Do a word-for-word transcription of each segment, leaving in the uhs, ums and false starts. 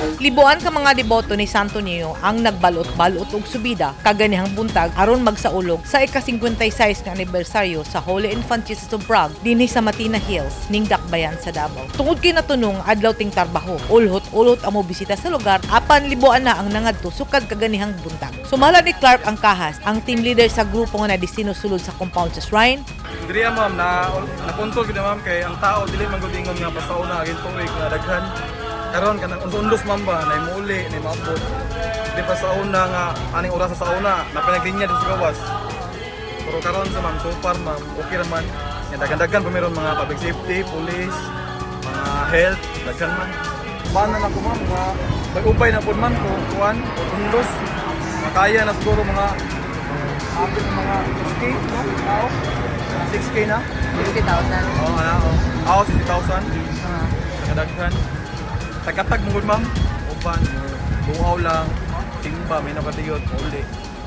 Libuan ka mga deboto ni Santo Niño ang nagbalot-balot og subida kaganihang buntag aron magsaulog sa ika-fifty-six nga anibersaryo sa Holy Infant Jesus of Prague dinhi sa Matina Hills ning Dakbayan sa Davao. Tungod kay natunong adlaw ting trabaho, ulhot-ulhot ang mobisita sa lugar apan libuan na ang nangadto sukad kaganihang buntag. Sumala ni Clark ang kahas, ang team leader sa grupo nga nadestino sulod sa compound sa shrine. Diriya ma'am na nakontrol gid ma'am kay ang tao dili man gud ingon nga pasauna agin tuig nga daghan. Karon kanang undos ma'am ba nay muuli nay maabot. Di pa sa una nga aning oras sa una na pinaglinya dito sa gawas. Pero karon sa ma'am so far ma'am okay raman. Nga daghan-daghan pa meron mga public safety, police, mga health, daghan man. Bana na ko ma'am nga nag-ubay na pud man ko kuan undos. Makaya na siguro mga apil mga six K no? Tao. six K na? sixty thousand. Oo, ano, oo. Ako, sixty thousand. Nakadaghan. Tagatag mo ma'am. Upan. Buhaw lang. Timba, may nakatiyot. Uli.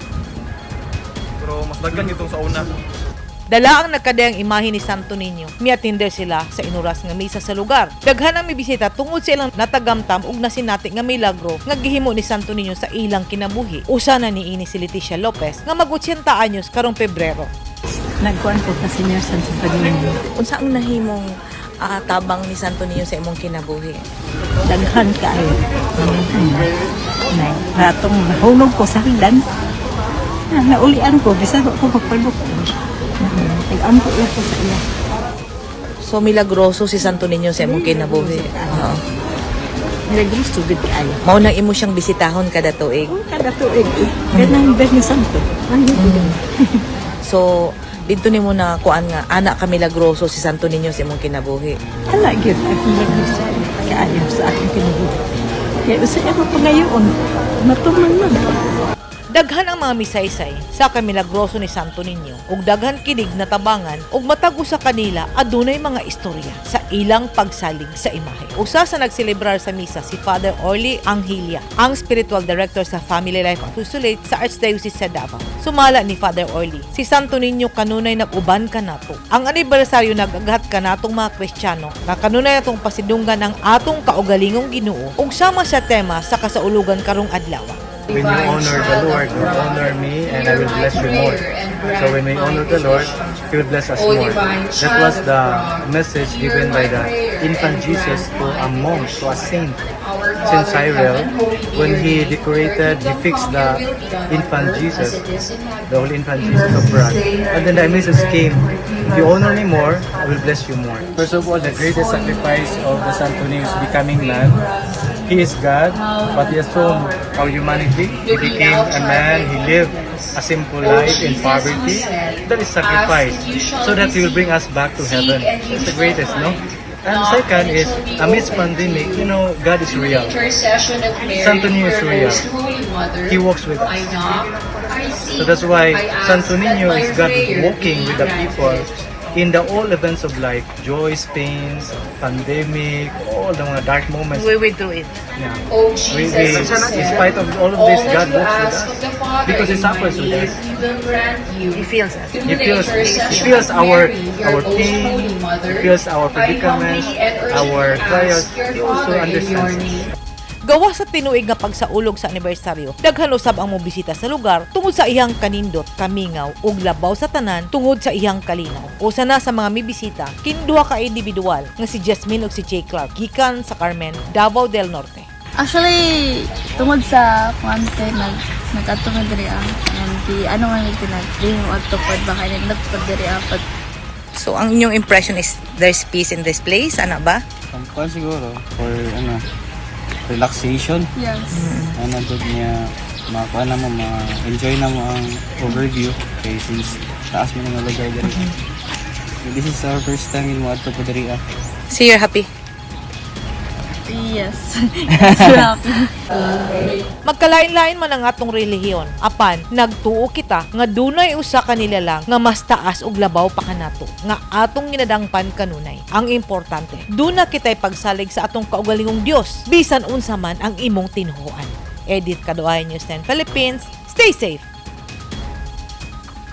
Pero mas daghan itong sa una. Dala ang nagkadayang imahe ni Santo Niño. Miatinder sila sa inuras nga misa sa lugar. Daghan ang mibisita tungod sa ilang natagamtam ug nasinati nga milagro nga gihimo ni Santo Niño sa ilang kinabuhi. Usa na niini si Leticia Lopez nga mag-eighty anyos karong Pebrero. Nagkuhan po kasi niya sa Santo Niño. Unsa ang nahimong uh, tabang ni Santo Niño sa imong kinabuhi? Daghan kaayo. Nay, ratong nahulog ko sa hagdan. Na, naulian ko, bisa ko magpalok. Nag-ampo lang ko sa iya. So milagroso si Santo Niño sa imong kinabuhi. Oo. Nilagros tubig kaayo. Mao nang imo siyang bisitahon kada tuig. Kada tuig. Ganang bes ni Santo. Ay, So dito nimo na kuan nga anak ka milagroso si Santo Niño sa imong kinabuhi. hala, yun. Ako nilagros kaayo sa aking kinabuhi. Kaya usa ako pangayoon. Matuman man. Daghan ang mga misaysay sa kamilagroso ni Santo Niño ug daghan kinig na tabangan ug matago sa kanila adunay mga istorya sa ilang pagsalig sa imahe. Usa sa nagselebrar sa misa si Father Orly Anghilia, ang spiritual director sa Family Life Apostolate sa Archdiocese sa Davao. Sumala ni Father Orly, si Santo Niño kanunay nag-uban kanato. Ang anibersaryo nag-aghat kanatong mga Kristiyano nga kanunay natong pasidunggan ang atong kaugalingong Ginoo ug sama sa tema sa kasaulugan karong adlaw. When you honor the Lord, you honor me and I will bless you more. So when we honor the Lord, He will bless us more. That was the message given by the infant Jesus to a monk, to a saint, Saint Cyril. When he decorated, he fixed the infant Jesus, the Holy Infant Jesus of Prague. And then the message came, if you honor me more, I will bless you more. First of all, the greatest sacrifice of the Santo Niño is becoming man. He is God, but He has shown our humanity. He became a man, He lived a simple life in poverty. That is sacrifice, so that He will bring us back to heaven. That's the greatest, no? And second is, amidst pandemic, you know, God is real. Santo Niño is real. He walks with us. So that's why Santo Niño is God walking with the people in the all events of life, joys, pains, pandemic, all the mga dark moments. We will do it. Yeah. We, we, in spite of all of this, God walks with us because He suffers with us. He feels us. He feels, he feels our our pain, He feels our predicaments, our trials. He also understands us. Gawa sa tinuig nga pagsaulog sa anibersaryo, daghan usab ang mobisita sa lugar tungod sa iyang kanindot, kamingaw ug labaw sa tanan tungod sa iyang kalinaw. Usa na sa mga mibisita kinduha ka individual nga si Jasmine ug si Jay Clark gikan sa Carmen, Davao del Norte. Actually, tungod sa kwante, nag, nagkatungod diri ang di ano nga nagtinag, di mo agtupad baka nagtupad diri apat. So ang inyong impression is there's peace in this place, ana ba? Pangkuhan siguro, for ano, relaxation. Yes. Ano doon niya, makakuha na mo, ma-enjoy na mo ang overview. Okay, since taas mo na nga lugar diri. So, this is our first time in Muadto po diri. So you're happy? Yes. So happy. Magkalain-lain man ang atong relihiyon, apan nagtuo kita nga dunay usa kanila lang nga mas taas og labaw pa kanato nga atong ginadangpan kanunay. Ang importante, duna kitay pagsalig sa atong kaugalingong Dios bisan unsa man ang imong tinhuan. Edit Kaduay News ten Philippines. Stay safe.